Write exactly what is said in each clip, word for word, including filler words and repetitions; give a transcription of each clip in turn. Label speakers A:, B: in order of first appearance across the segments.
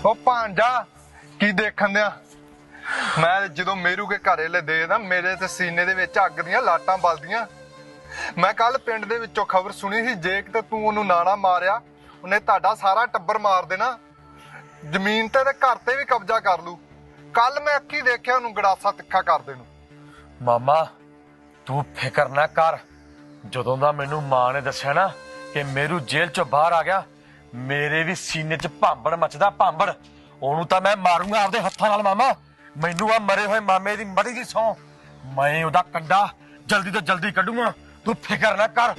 A: ਉਹ ਭਾਂਜਾ ਕੀ ਦੇਖਣ ਦਿਆ ਮੈਂ ਜਦੋਂ ਮੇਰੂ ਕੇ ਘਰੇ ਲੈ ਦੇ ਨਾ ਮੇਰੇ ਤੇ ਸੀਨੇ ਦੇ ਵਿੱਚ ਅੱਗ ਦੀਆਂ ਲਾਟਾਂ ਬਲਦੀਆਂ। ਮੈਂ ਕੱਲ ਪਿੰਡ ਦੇ ਵਿੱਚੋਂ ਖਬਰ ਸੁਣੀ ਸੀ ਜੇ ਕਿਤੇ ਤੂੰ ਉਹਨੂੰ ਨਾਣਾ ਮਾਰਿਆ ਉਹਨੇ ਤੁਹਾਡਾ ਸਾਰਾ ਟੱਬਰ ਮਾਰ ਦੇਣਾ, ਜ਼ਮੀਨ ਤੇ ਤੇ ਘਰ ਤੇ ਵੀ ਕਬਜ਼ਾ ਕਰ ਲੂ। ਕੱਲ ਮੈਂ ਅੱਖੀ ਦੇਖਿਆ ਉਹਨੂੰ ਗੜਾਸਾ ਤਿੱਖਾ ਕਰਦੇ ਨੂੰ।
B: ਮਾਮਾ ਤੂੰ ਫਿਕਰ ਨਾ ਕਰ, ਜਦੋਂ ਦਾ ਮੈਨੂੰ ਮਾਂ ਨੇ ਦੱਸਿਆ ਨਾ ਕਿ ਮੇਰੂ ਜੇਲ੍ਹ ਚੋਂ ਬਾਹਰ ਆ ਗਿਆ ਮੇਰੇ ਵੀ ਸੀਨੇ 'ਚ ਭਾਂਬੜ ਮੱਚਦਾ ਭਾਂਬੜ। ਉਹਨੂੰ ਤਾਂ ਮੈਂ ਮਾਰੂੰਗਾ ਆਪਦੇ ਹੱਥਾਂ ਨਾਲ ਮਾਮਾ। ਮੈਨੂੰ ਆ ਮਰੇ ਹੋਏ ਮਾਮੇ ਦੀ ਮੜੀ ਦੀ ਸੌਂ, ਮੈਂ ਉਹਦਾ ਕੰਡਾ ਜਲਦੀ ਤੋਂ ਜਲਦੀ ਕੱਢੂੰਗਾ, ਤੂੰ ਫਿਕਰ ਨਾ ਕਰ।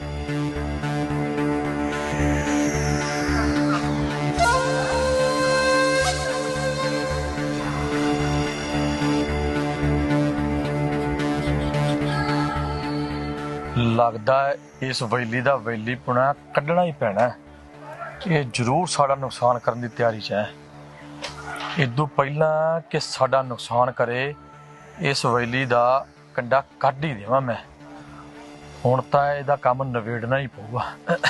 B: ਲੱਗਦਾ ਇਸ ਵੈਲੀ ਦਾ ਵੈਲੀ ਪੁਣਾ ਕੱਢਣਾ ਹੀ ਪੈਣਾ। ਇਹ ਜ਼ਰੂਰ ਸਾਡਾ ਨੁਕਸਾਨ ਕਰਨ ਦੀ ਤਿਆਰੀ 'ਚ ਹੈ। ਇਦੋਂ ਪਹਿਲਾਂ ਕਿ ਸਾਡਾ ਨੁਕਸਾਨ ਕਰੇ ਇਸ ਵੈਲੀ ਦਾ ਕੰਡਾ ਕੱਢ ਹੀ ਦੇਵਾਂ ਮੈਂ। ਹੁਣ ਤਾਂ ਇਹਦਾ ਕੰਮ ਨਵੇੜਨਾ ਹੀ ਪਊਗਾ।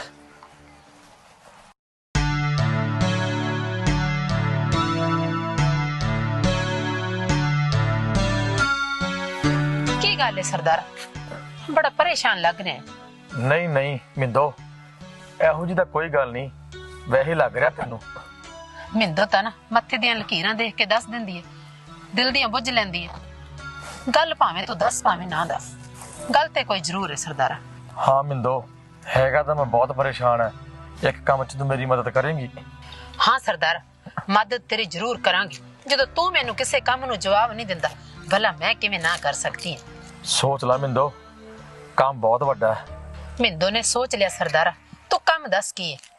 C: ਕੀ ਗੱਲ ਹੈ ਸਰਦਾਰ, ਬੜਾ ਪਰੇਸ਼ਾਨ ਲੱਗ ਰਿਹਾ ਹੈ।
B: ਨਹੀਂ ਨਹੀਂ ਮਿੰਦੋ, ਇਹੋ ਜਿਹੀ ਤਾਂ ਕੋਈ ਗੱਲ ਨਹੀਂ, ਵੈਸੇ ਲੱਗ ਰਿਹਾ ਤੈਨੂੰ।
C: ਮਿੰਦੋ ਤਾਂ ਨਾ ਮੱਥੇ ਦੀਆਂ ਲਕੀਰਾਂ ਦੇਖ ਕੇ ਦੱਸ ਦਿੰਦੀ ਹੈ, ਦਿਲ ਦੀਆਂ ਬੁੱਝ ਲੈਂਦੀ ਹੈ। ਗੱਲ ਭਾਵੇਂ ਤੂੰ ਦੱਸ ਭਾਵੇਂ ਨਾ ਦੱਸ, ਗੱਲ ਤੇ ਕੋਈ ਜ਼ਰੂਰ ਹੈ ਸਰਦਾਰਾ।
B: ਹਾਂ ਮਿੰਦੋ, ਹੈਗਾ ਤਾਂ ਮੈਂ ਬਹੁਤ ਪਰੇਸ਼ਾਨ ਹੈ। ਇੱਕ ਕੰਮ 'ਚ ਤੂੰ ਮੇਰੀ ਮਦਦ ਕਰੇਂਗੀ?
C: ਹਾਂ ਸਰਦਾਰ, ਮਦਦ ਤੇਰੀ ਜ਼ਰੂਰ ਕਰਾਂਗੀ। ਜਦੋਂ ਤੂੰ ਮੈਨੂੰ ਕਿਸੇ ਕੰਮ ਨੂੰ ਜਵਾਬ ਨਹੀਂ ਦਿੰਦਾ ਭਲਾ ਮੈਂ ਕਿਵੇਂ ਨਾ ਕਰ ਸਕਦੀ ਹਾਂ।
B: ਸੋਚ ਲੈ ਮਿੰਦੋ, ਕੰਮ ਬਹੁਤ ਵੱਡਾ ਹੈ।
C: ਮਿੰਦੋ ਨੇ ਸੋਚ ਲਿਆ ਸਰਦਾਰਾ, ਤੂੰ ਕੰਮ ਦੱਸ ਕੀ ਹੈ।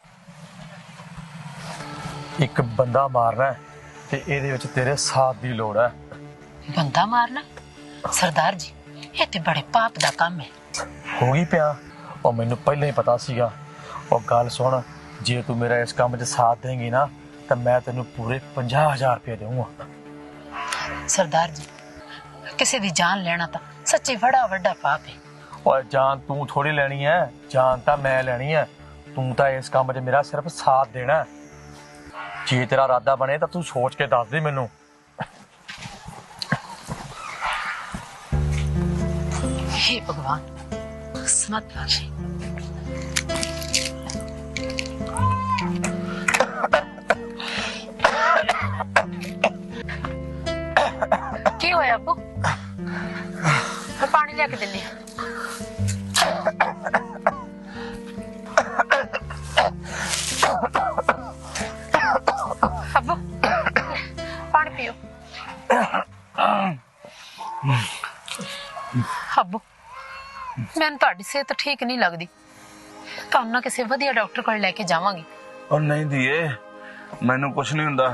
B: ਇੱਕ ਬੰਦਾ ਮਾਰਨਾ ਤੇ ਇਹਦੇ ਵਿੱਚ ਤੇਰੇ ਸਾਥ ਦੀ ਲੋੜ ਹੈ।
C: ਬੰਦਾ ਮਾਰਨਾ? ਸਰਦਾਰ ਜੀ ਇਹ ਤੇ ਬੜੇ ਪਾਪ ਦਾ ਕੰਮ ਹੈ।
B: ਹੋ ਗਈ ਪਿਆ, ਉਹ ਮੈਨੂੰ ਪਹਿਲਾਂ ਹੀ ਪਤਾ ਸੀਗਾ। ਉਹ ਗੱਲ ਸੁਣ, ਜੇ ਤੂੰ ਮੇਰਾ ਇਸ ਕੰਮ 'ਚ ਸਾਥ ਦੇਂਗੀ ਨਾ ਤਾਂ ਮੈਂ ਤੈਨੂੰ ਪੂਰੇ ਪੰਜਾਹ ਹਜ਼ਾਰ ਰੁਪਏ ਦੇਵਾਂਗਾ।
C: ਸਰਦਾਰ ਜੀ ਕਿਸੇ ਦੀ ਜਾਨ ਲੈਣਾ ਤਾਂ ਸੱਚੀ ਬੜਾ ਵੱਡਾ ਪਾਪ ਹੈ।
B: ਓਏ ਜਾਨ ਤੂੰ ਥੋੜੀ ਲੈਣੀ ਹੈ, ਜਾਨ ਤਾਂ ਮੈਂ ਲੈਣੀ ਹੈ। ਤੂੰ ਤਾਂ ਇਸ ਕੰਮ 'ਚ ਮੇਰਾ ਸਿਰਫ ਸਾਥ ਦੇਣਾ। ਜੇ ਤੇਰਾ ਇਰਾਦਾ ਬਣੇ ਤਾਂ ਤੂੰ ਸੋਚ ਕੇ ਦੱਸ ਦੇ ਮੈਨੂੰ।
C: हे भगवान समत बख्शे। की होया अब्बू? मैं पानी लेके दिन्नी। अब्बू पानी पियो। अब्बू ਮੈਨੂੰ ਤੁਹਾਡੀ ਸਿਹਤ ਠੀਕ ਨਹੀਂ ਲੱਗਦੀ, ਤੁਹਾਨੂੰ ਨਾ ਕਿਸੇ ਵਧੀਆ ਡਾਕਟਰ ਕੋਲ ਲੈ ਕੇ ਜਾਵਾਂਗੀ।
D: ਉਹ ਨਹੀਂ ਦੀਏ, ਮੈਨੂੰ ਕੁਝ ਨਹੀਂ ਹੁੰਦਾ।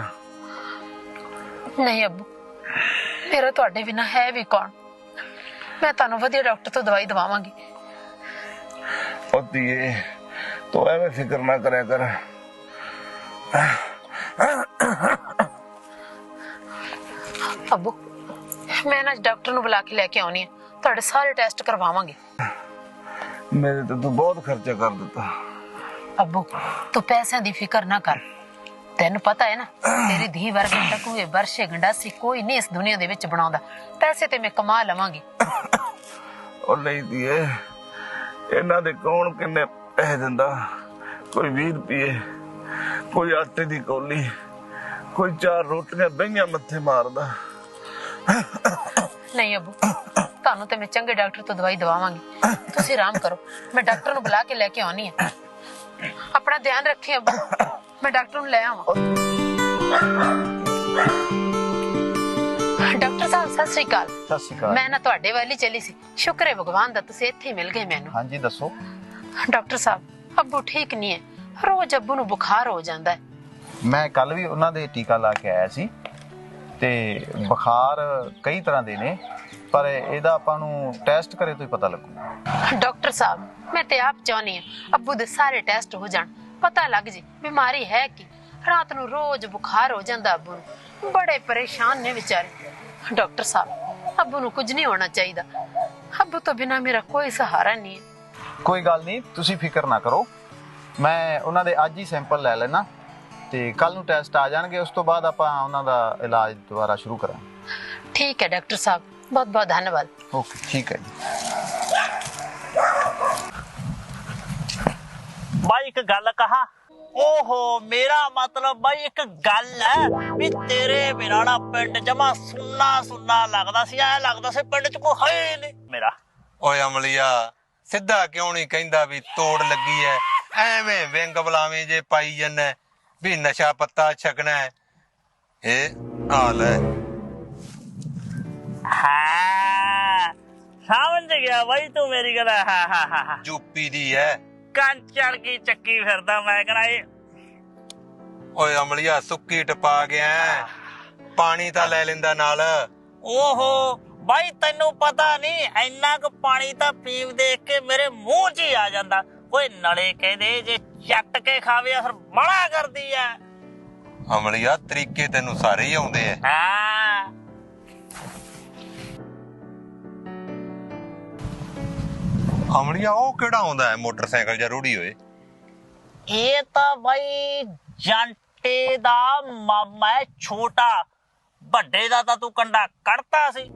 C: ਨਹੀਂ ਅੱਬੂ, ਮੇਰਾ ਤੁਹਾਡੇ ਬਿਨਾ ਹੈ ਵੀ ਕੌਣ। ਮੈਂ ਤੁਹਾਨੂੰ ਵਧੀਆ ਡਾਕਟਰ ਤੋਂ ਦਵਾਈ ਦਵਾਵਾਂਗੀ।
D: ਉਹ ਦੀਏ ਤੂੰ ਐਵੇਂ ਫਿਕਰ ਨਾ ਕਰਿਆ ਕਰ।
C: ਅੱਬੂ ਮੈਂ ਨਾ ਡਾਕਟਰ ਨੂੰ ਬੁਲਾ ਕੇ ਲੈ ਕੇ ਆਉਣੀ ਹੈ, ਤੁਹਾਡੇ ਸਾਰੇ ਟੈਸਟ ਕਰਵਾਵਾਂਗੇ।
D: ਮੇਰੇ ਤੇ ਤੂੰ ਬਹੁਤ ਖਰਚਾ ਕਰ ਦਿੱਤਾ।
C: ਅੱਬੂ ਤੂੰ ਪੈਸਿਆਂ ਦੀ ਫਿਕਰ ਨਾ ਕਰ, ਤੈਨੂੰ ਪਤਾ ਹੈ ਨਾ ਤੇਰੀ ਧੀ ਵਰਗੇ ਟਕੂਏ ਵਰਸ਼ੇ ਗੰਡਾਸੀ ਕੋਈ ਨਹੀਂ ਇਸ ਦੁਨੀਆ ਦੇ ਵਿੱਚ ਬਣਾਉਂਦਾ। ਪੈਸੇ ਤੇ ਮੈਂ ਕਮਾ ਲਵਾਂਗੀ।
D: ਉਹ ਨਹੀਂ ਦੀਏ, ਇਹਨਾਂ ਦੇ ਕੌਣ ਕਿੰਨੇ ਪੈਸੇ ਦਿੰਦਾ। ਕੋਈ ਵੀਹ ਰੁਪਏ, ਕੋਈ ਆਟੇ ਦੀ ਕੌਲੀ, ਕੋਈ ਚਾਰ ਰੋਟੀਆਂ ਬਈਆਂ ਮੱਥੇ ਮਾਰਦਾ।
C: ਨਹੀਂ ਅੱਬੂ, ਤੁਹਾਨੂੰ ਤੇ ਮੈਂ ਚੰਗੇ ਡਾਕਟਰ ਤੋਂ ਦਵਾਈ ਦਵਾਵਾਂਗੀ। ਤੁਸੀਂ ਆਰਾਮ ਕਰੋ, ਮੈਂ ਡਾਕਟਰ ਨੂੰ ਬੁਲਾ ਕੇ ਲੈ ਕੇ ਆਉਣੀ ਹੈ। ਆਪਣਾ ਧਿਆਨ ਰੱਖੀ ਅੱਬੂ, ਮੈਂ ਡਾਕਟਰ ਨੂੰ ਲੈ ਆਵਾਂ। ਡਾਕਟਰ ਸਾਹਿਬ ਸਤਿ ਸ੍ਰੀ ਅਕਾਲ।
E: ਸਤਿ ਸ਼੍ਰੀ ਅਕਾਲ।
C: ਮੈਂ ਨਾ ਤੁਹਾਡੇ ਵੱਲ ਹੀ ਚੱਲੀ ਸੀ, ਸ਼ੁਕਰ ਹੈ ਭਗਵਾਨ ਦਾ ਤੁਸੀਂ ਇੱਥੇ ਮਿਲ ਗਏ ਮੈਨੂੰ।
E: ਹਾਂਜੀ ਦੱਸੋ।
C: ਡਾਕਟਰ ਸਾਹਿਬ ਅੱਬੂ ਠੀਕ ਨਹੀਂ ਹੈ, ਰੋਜ਼ ਅੱਬੂ ਨੂੰ ਬੁਖਾਰ ਹੋ ਜਾਂਦਾ ਹੈ।
E: ਮੈਂ ਕੱਲ ਵੀ ਉਹਨਾਂ ਦੇ ਟੀਕਾ ਲਾ ਕੇ ਆਇਆ ਸੀ ਤੇ ਬੁਖਾਰ ਕਈ ਤਰ੍ਹਾਂ ਦੇ ਨੇ, ਪਰ ਇਹਦਾ ਆਪਾਂ ਨੂੰ ਟੈਸਟ ਕਰੇ ਤੋਂ ਹੀ ਪਤਾ ਲੱਗੂ।
C: ਡਾਕਟਰ ਸਾਹਿਬ ਮੈਂ ਤੇ ਆਪ ਚਾਹੁੰਦੀ ਹਾਂ ਅੱਬੂ ਦੇ ਸਾਰੇ ਟੈਸਟ ਹੋ ਜਾਣ, ਪਤਾ ਲੱਗ ਜੇ ਬਿਮਾਰੀ ਹੈ ਕੀ। ਰਾਤ ਨੂੰ ਰੋਜ਼ ਬੁਖਾਰ ਹੋ ਜਾਂਦਾ ਅੱਬੂ ਨੂੰ, ਬੜੇ ਪਰੇਸ਼ਾਨ ਨੇ ਵਿਚਾਰੇ। ਡਾਕਟਰ ਸਾਹਿਬ ਅੱਬੂ ਨੂੰ ਕੁਝ ਨਹੀਂ ਹੋਣਾ ਚਾਹੀਦਾ, ਅੱਬੂ ਤੋਂ ਬਿਨਾ ਮੇਰਾ ਕੋਈ ਸਹਾਰਾ ਨਹੀਂ ਹੈ।
E: ਕੋਈ ਗੱਲ ਨਹੀਂ, ਤੁਸੀਂ ਫਿਕਰ ਨਾ ਕਰੋ। ਮੈਂ ਉਹਨਾਂ ਦੇ ਅੱਜ ਹੀ ਸੈਂਪਲ ਲੈ ਲੈਣਾ ਤੇ ਕੱਲ ਨੂੰ ਟੈਸਟ ਆ ਜਾਣਗੇ, ਉਸ ਤੋਂ ਬਾਅਦ ਆਪਾਂ ਉਹਨਾਂ ਦਾ ਇਲਾਜ ਦੁਬਾਰਾ ਸ਼ੁਰੂ ਕਰਾਂਗੇ।
C: ਠੀਕ ਹੈ ਡਾਕਟਰ ਸਾਹਿਬ, ਬਹੁਤ ਬਹੁਤ ਧੰਨਵਾਦ।
E: ਓਕੇ, ਠੀਕ ਹੈ ਜੀ।
F: ਬਾਈ ਇੱਕ ਗੱਲ ਕਹਾ, ਓਹੋ ਮੇਰਾ ਮਤਲਬ ਬਾਈ ਇੱਕ ਗੱਲ ਹੈ ਵੀ ਤੇਰੇ ਬਿਨਾਂ ਨਾ ਪਿੰਡ ਜਮਾ ਸੁੰਨਾ ਸੁੰਨਾ ਲੱਗਦਾ ਸੀ, ਐ ਲੱਗਦਾ ਸੀ ਪਿੰਡ ਚ ਕੋਈ ਹੈ ਨਹੀਂ ਮੇਰਾ।
A: ਓਏ ਅਮਲੀਆ, ਸਿੱਧਾ ਕਿਉਂ ਨਹੀਂ ਕਹਿੰਦਾ ਵੀ ਤੋੜ ਲੱਗੀ ਐ? ਐਵੇਂ ਵਿੰਗ ਬਲਾਵੇਂ ਜੇ ਪਾਈ ਜੰਨਾ ਵੀ ਨਸ਼ਾ ਪੱਤਾ ਛਕਣਾ ਹੈ। ਇਹ ਹਾਲ ਹੈ।
F: ਹਾਂ ਸਮਝ ਗਿਆ ਬਾਈ ਤੂੰ ਮੇਰੀ ਗੱਲ। ਹਾਂ ਹਾਂ ਹਾਂ ਹਾਂ
A: ਯੂਪੀ ਦੀ ਐ।
F: ਕੰਚੜ ਕੀ ਚੱਕੀ ਫਿਰਦਾ ਮੈਂ ਕਹਣਾ ਇਹ।
A: ਓਏ ਅਮਲੀਆ, ਸੁੱਕੀ ਟਪਾ ਗਿਆ ਐ। ਪਾਣੀ ਤਾਂ ਲੈ ਲੈਂਦਾ ਨਾਲ।
F: ਓਹੋ ਬਾਈ ਤੈਨੂੰ ਪਤਾ ਨਹੀਂ, ਇੰਨਾ ਕੁ ਪਾਣੀ ਤਾਂ ਪੀਵ ਦੇਖ ਕੇ ਮੇਰੇ ਮੂੰਹ 'ਚ ਹੀ ਆ ਜਾਂਦਾ। ਓਏ ਨਲੇ ਕਹਿੰਦੇ ਜੇ ਚੱਟ ਕੇ ਖਾਵੇ ਅਸਰ ਬੜਾ ਕਰਦੀ ਐ।
A: ਅਮਲੀਆ, ਤਰੀਕੇ ਤੈਨੂੰ ਸਾਰੇ ਹੀ ਆਉਂਦੇ ਐ।
F: ਹਾਂ
A: ਅਮਲੀਆ, ਉਹ ਕਿਹੜਾ ਆਉਂਦਾ ਹੈ ਮੋਟਰਸਾਈਕਲ ਜਾਂ ਰੂੜੀ ਹੋਏ?
F: ਇਹ ਤਾਂ ਬਾਈ ਜਾਂਟੇ ਦਾ ਮਾਮਾ ਹੈ ਛੋਟਾ, ਵੱਡੇ ਦਾ ਤਾਂ ਤੂੰ ਕੰਡਾ ਕੱਢਤਾ ਸੀ।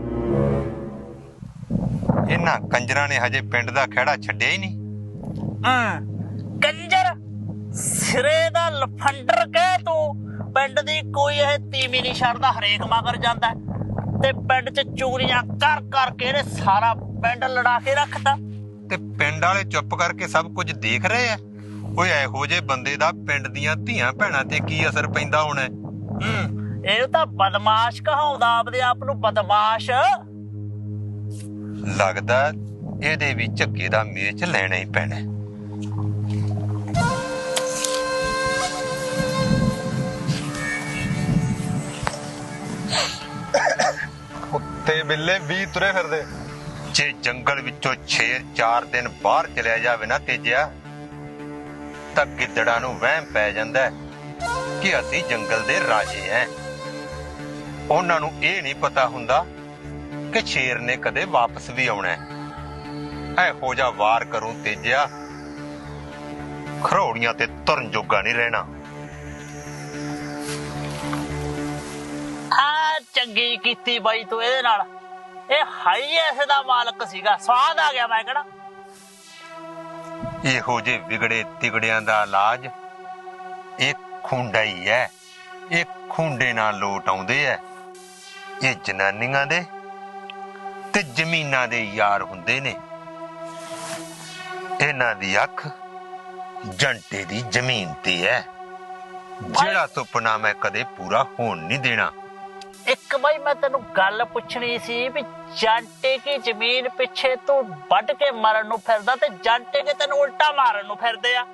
A: ਇਹਨਾਂ ਕੰਜਰਾਂ ਨੇ ਹਜੇ ਪਿੰਡ ਦਾ ਖਹਿੜਾ ਛੱਡਿਆ ਹੀ ਨਹੀਂ।
F: ਹੂੰ ਕੰਜਰ ਸਿਰੇ ਦਾ ਲਫੰਡਰ ਕਹਿ ਤੂੰ। ਪਿੰਡ ਦੀ ਕੋਈ ਇਹ ਤੀਵੀਂ ਨਹੀਂ ਛੱਡਦਾ, ਹਰੇਕ ਮਗਰ ਜਾਂਦਾ ਤੇ ਪਿੰਡ 'ਚ ਚੋਰੀਆਂ ਕਰ ਕਰਕੇ ਇਹਨੇ ਸਾਰਾ ਪਿੰਡ ਲੜਾ ਕੇ ਰੱਖਤਾ।
A: ਤੇ ਪਿੰਡ ਵਾਲੇ ਚੁੱਪ ਕਰਕੇ ਸਭ ਕੁਝ ਦੇਖ ਰਹੇ ਆ। ਓਏ ਇਹੋ ਜਿਹੇ ਬੰਦੇ ਦਾ ਪਿੰਡ ਦੀਆਂ ਧੀਆਂ ਭੈਣਾਂ ਤੇ ਕੀ ਅਸਰ ਪੈਂਦਾ ਹੋਣਾ?
F: ਹੂੰ ਇਹ ਤਾਂ ਬਦਮਾਸ਼ ਕਹਾਉਂਦਾ ਆਪਦੇ ਆਪ ਨੂੰ, ਬਦਮਾਸ਼।
A: ਲੱਗਦਾ ਇਹਦੇ ਵੀ ਝੱਗੇ ਦਾ ਮੇਚ ਲੈਣਾ ਹੀ ਪੈਣਾ। ਕੁੱਤੇ ਬਿੱਲੇ ਵੀ ਤੁਰੇ ਫਿਰਦੇ। ਜੇ ਜੰਗਲ ਵਿੱਚੋਂ ਸ਼ੇਰ ਚਾਰ ਦਿਨ ਬਾਹਰ ਚਲਿਆ ਜਾਵੇ ਨਾ ਤੇਜਿਆ, ਤਾਂ ਗਿੱਦੜਾਂ ਨੂੰ ਵਹਿਮ ਪੈ ਜਾਂਦਾ ਕਿ ਅਸੀਂ ਜੰਗਲ ਦੇ ਰਾਜੇ ਐ। ਉਹਨਾਂ ਨੂੰ ਇਹ ਨਹੀਂ ਪਤਾ ਹੁੰਦਾ ਕਿ ਸ਼ੇਰ ਨੇ ਕਦੇ ਵਾਪਸ ਵੀ ਆਉਣਾ ਹੈ। ਇਹੋ ਜਿਹਾ ਵਾਰ ਕਰੂੰ ਤੇਜਿਆ, ਖਰੋੜੀਆਂ ਤੇ ਤੁਰਨ ਜੋਗਾ ਨਹੀਂ ਰਹਿਣਾ।
F: ਆ ਚੰਗੀ ਕੀਤੀ ਬਾਈ ਤੂੰ ਇਹਦੇ ਨਾਲ। ਇਹ ਹਾਈ ਐਸੇ ਦਾ ਮਾਲਕ ਸੀਗਾ, ਸਵਾਦ ਆ ਗਿਆ ਮੈਂ ਕਹਿਣਾ।
A: ਇਹੋ ਜਿਹੇ ਵਿਗੜੇ ਤਿਗੜਿਆਂ ਦਾ ਇਲਾਜ ਇਹ ਖੁੰਡਾ ਹੀ ਹੈ। ਇਹ ਖੁੰਡੇ ਨਾਲ ਲੋਟ ਆਉਂਦੇ ਐ। ਇਹ ਜਨਾਨੀਆਂ ਦੇ ਤੇ ਜ਼ਮੀਨਾਂ ਦੇ ਯਾਰ ਹੁੰਦੇ ਨੇ। ਇਹਨਾਂ ਦੀ ਅੱਖ ਜੰਟੇ ਦੀ ਜ਼ਮੀਨ ਤੇ ਹੈ, ਜਿਹੜਾ ਸੁਪਨਾ ਮੈਂ ਕਦੇ ਪੂਰਾ ਹੋਣ ਨਹੀਂ ਦੇਣਾ।
F: ਇੱਕ ਬਾਈ ਮੈਂ ਤੈਨੂੰ ਗੱਲ ਪੁੱਛਣੀ ਸੀ ਵੀ ਜਾਂਟੇ ਕੀ ਜ਼ਮੀਨ ਪਿੱਛੇ ਤੂੰ ਵੱਢ ਕੇ ਮਾਰਨ ਨੂੰ ਫਿਰਦਾ ਤੇ ਜਾਂਟੇ ਕੇ ਤੈਨੂੰ ਉਲਟਾ ਮਾਰਨ ਨੂੰ ਫਿਰਦੇ ਆ।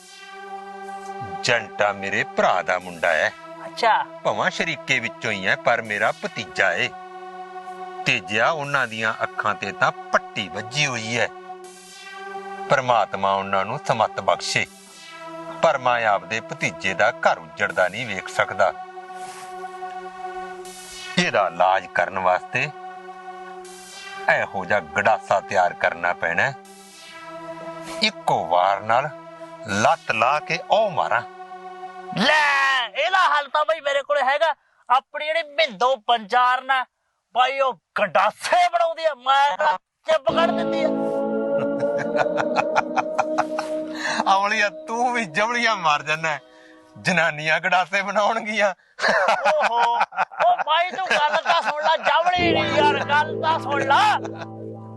A: ਜੰਟਾ ਮੇਰੇ ਭਰਾ ਦਾ ਮੁੰਡਾ ਹੈ।
F: ਅੱਛਾ,
A: ਭਾਵੇਂ ਸ਼ਰੀਕੇ ਵਿੱਚੋਂ ਹੀ ਹੈ, ਪਰ ਮੇਰਾ ਭਤੀਜਾ ਏ। ਤੇਜਿਆ, ਉਹਨਾਂ ਦੀਆਂ ਅੱਖਾਂ ਤੇ ਤਾਂ ਪੱਟੀ ਵੱਜੀ ਹੋਈ ਹੈ। ਪਰਮਾਤਮਾ ਉਹਨਾਂ ਨੂੰ ਸਮੱਤ ਬਖਸ਼ੇ, ਪਰ ਮੈਂ ਆਪਦੇ ਭਤੀਜੇ ਦਾ ਘਰ ਉੱਜੜਦਾ ਨਹੀਂ ਵੇਖ ਸਕਦਾ। ਇਹਦਾ ਇਲਾਜ ਕਰਨ ਵਾਸਤੇ ਇਹੋ ਜਿਹਾ ਗੜਾਸਾ ਤਿਆਰ ਕਰਨਾ ਪੈਣਾ, ਇੱਕੋ ਵਾਰ ਨਾਲ ਲੱਤ ਲਾ ਕੇ ਉਹ ਮਾਰਾਂ।
F: ਲੈ ਇਹਦਾ ਹੱਲ ਤਾਂ ਬਾਈ ਮੇਰੇ ਕੋਲ ਹੈਗਾ। ਆਪਣੀ ਜਿਹੜੀ ਮਿੰਦੋ ਪੰਜਾਰ ਨਾ ਬਾਈ ਉਹ ਗੰਡਾਸੇ ਬਣਾਉਂਦੀ ਆ, ਮੈਂ ਤਾਂ ਚਿੱਪ ਕੱਢ ਦਿੰਦੀ ਆ।
A: ਅਮਲੀਆ, ਤੂੰ ਵੀ ਜਮਲੀਆਂ ਮਾਰ ਜਾਨਾ। ਜਨਾਨੀਆਂ ਗੜਾਸੇ ਬਣਾਉਣਗੀਆਂ।
F: ਓਹੋ ਉਹ ਬਾਈ ਤੂੰ ਗੱਲ ਤਾਂ ਸੁਣ ਲੈ, ਜਵੜੀ ਨਹੀਂ ਯਾਰ, ਗੱਲ ਤਾਂ ਸੁਣ ਲੈ।